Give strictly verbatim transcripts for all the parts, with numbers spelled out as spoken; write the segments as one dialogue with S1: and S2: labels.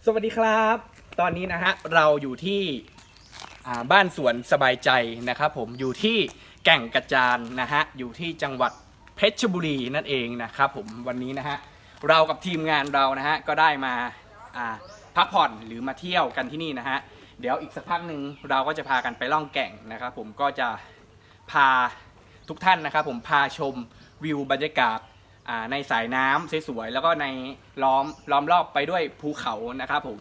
S1: สวัสดีครับตอนนี้นะฮะเราอยู่ที่บ้านสวนสบายใจนะครับผมอยู่ที่แก่งกระจานนะฮะอยู่ที่จังหวัดเพชรบุรีนั่นเองนะครับผมวันนี้นะฮะเรากับทีมงานเรานะฮะก็ได้มาพักผ่อนหรือมาเที่ยวกันที่นี่นะฮะเดี๋ยวอีกสักพักหนึ่งเราก็จะพากันไปล่องแก่งนะครับผมก็จะพาทุกท่านนะครับผมพาชมวิวบรรยากาศในสายน้ำสวยๆแล้วก็ในล้อมล้อมรอบไปด้วยภูเขานะครับผม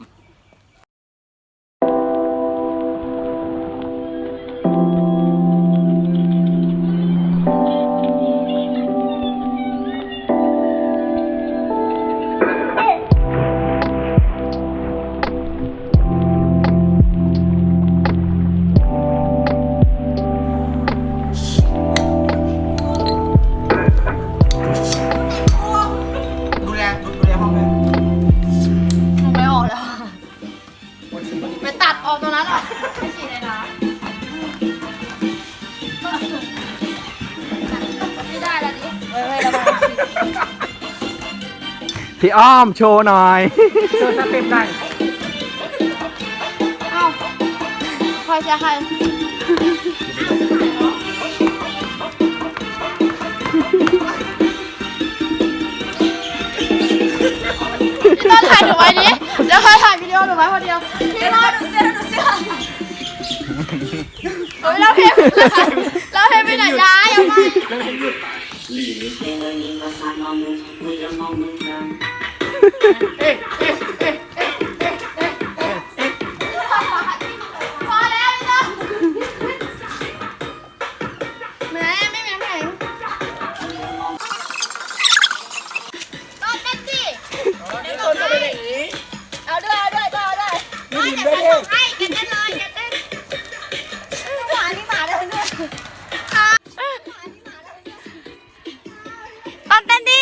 S1: พี่อ้อมโชว์หน่อยโชว์สเต็ปหน่อยเอ้าใครจะใครพี่ต้นถ่ายหนูไว้ดิเดี๋ยวใครถ่ายวิดีโอหนูไว้คนเดียวพี่รอดูเสื้อดูเสื้อโอ้ยเราเพลงเราเพลงไปไหนย้ายเอาไปเอ๊ะเอ๊ะเอ๊ะเอ๊ะเอ๊ะเอ๊ะเอ๊ะเอ๊ะพอแล้วพี่ต้นแม่ไม่แม่แม่ต้นเต้นสิเดี๋ยวต้นจะไปไหนเอาด้วยเอาด้วยเอาด้วยไม่จะเต้นให้จะเต้นเลยจะเต้นหมานี่หมาเลยเนี่ยต้นเต้นดิ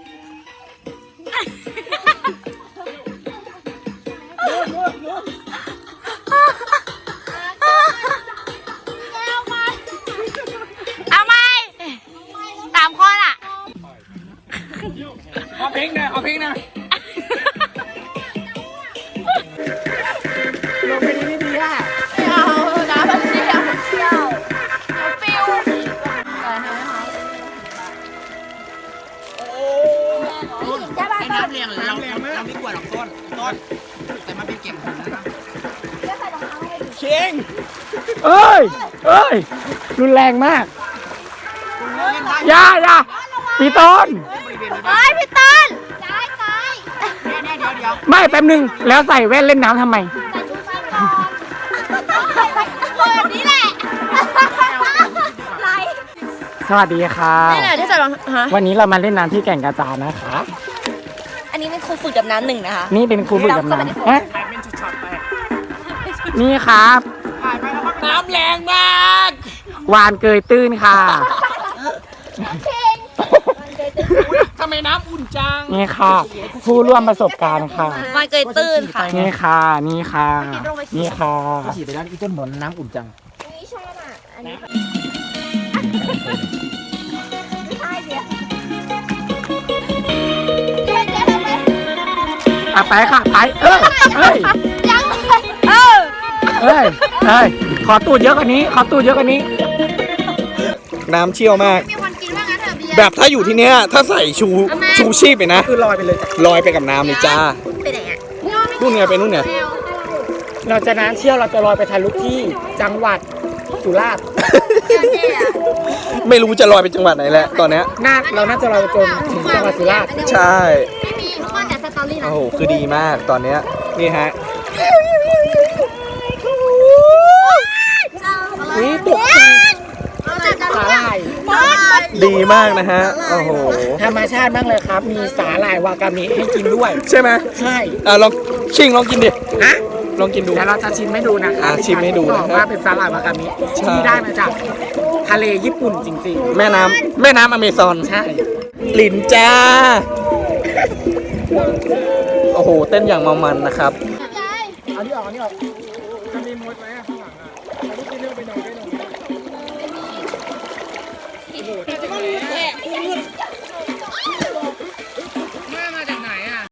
S1: เอาไหมสามคนอ่ะเอาเพลงนะเอาเพลงนะลงไปดีไม่ดีอ่ะไม่เอาน้ำมันเชี่ยวเชี่ยวฟิวให้น้ำเลี้ยงเราเราไม่กลัวหรอกต้นต้นแต่มันเป็นเก็บผมนะครับเชียงเอ้ยเอ้ยรุนแรงมากอย่าอย่าพี่ต้นเฮ้ยพี่ต้นซ้ายซ้ายเดี๋ยวเดี๋ยวเดี๋ยวไม่แป๊บนึงแล้วใส่แว่นเล่นน้ำทำไมใส่ชุดไฟก่อนแบบนี้แหละสวัสดีค่ะนี่แหละที่จะลองวันนี้เรามาเล่นน้ำที่แก่งกระจานนะคะอันนี้เป็นครูฝึกดำน้ำหนึ่งนะคะนี่เป็นครูฝึกดำน้ำฮะนี่ครับน้ำแรงมากวานเกยตื้นค่ะทำไมน้ำอุ่นจังนี่ค่ะผู้ร่วมประสบการณ์ค่ะวานเกยตื้นค่ะนี่ค่ะนี่ค่ะนี่ค่ะฉีดไปแล้วอีต้นหมอนน้ำอุ่นจังนี่ชอบอ่ะอันนี้อ่ะไปค่ะไปเออเอ้ยยังเออเอ้ยเอ้ยขอตูดเยอะกว่านี้ขอตูดเยอะกว่านี้น้ำเชี่ยวมากแบบถ้าอยู่ที่เนี้ยถ้าใส่ชูชูชีพไปนะคือลอยไปเลยลอยไปกับน้ำเลยจ้าไปไหนอ่ะนู่นไงไปนู่นไงเราจะน้ำเชี่ยวเราจะลอยไปทะลุที่จังหวัดสุราษฎร์ไม่รู้จะลอยไปจังหวัดไหนแหละตอนนี้น่าเราน่าจะลอยจนถึงจังหวัดสุราษฎร์ใช่ไม่มีทุกคนแต่สตอรี่นะโอ้โหคือดีมากตอนนี้นี่ฮะนี่ตกสาหร่ายดีมากนะฮะโอ้โหธรรมชาติมากเลยครับมีสาหร่ายวากามิให้กินด้วยใช่ไหมใช่อ่ะลองชิงลองกินดิฮะลองกินดูแล้วเราจะชิมให้ดูนะคะชิมให้ดูนะว่าเป็นสาหร่ายวากามิที่ได้มาจากทะเลญี่ปุ่นจริงๆแม่น้ำแม่น้ำอเมซอนใช่ลินจ้าโอ้โหเต้นอย่างเมามันนะครับเอาที่ออกนี่ออกจะมีมวยไหมข้างหลังอ่ะเอาที่เลือกไปหน่อยได้หน่อยโอ้โห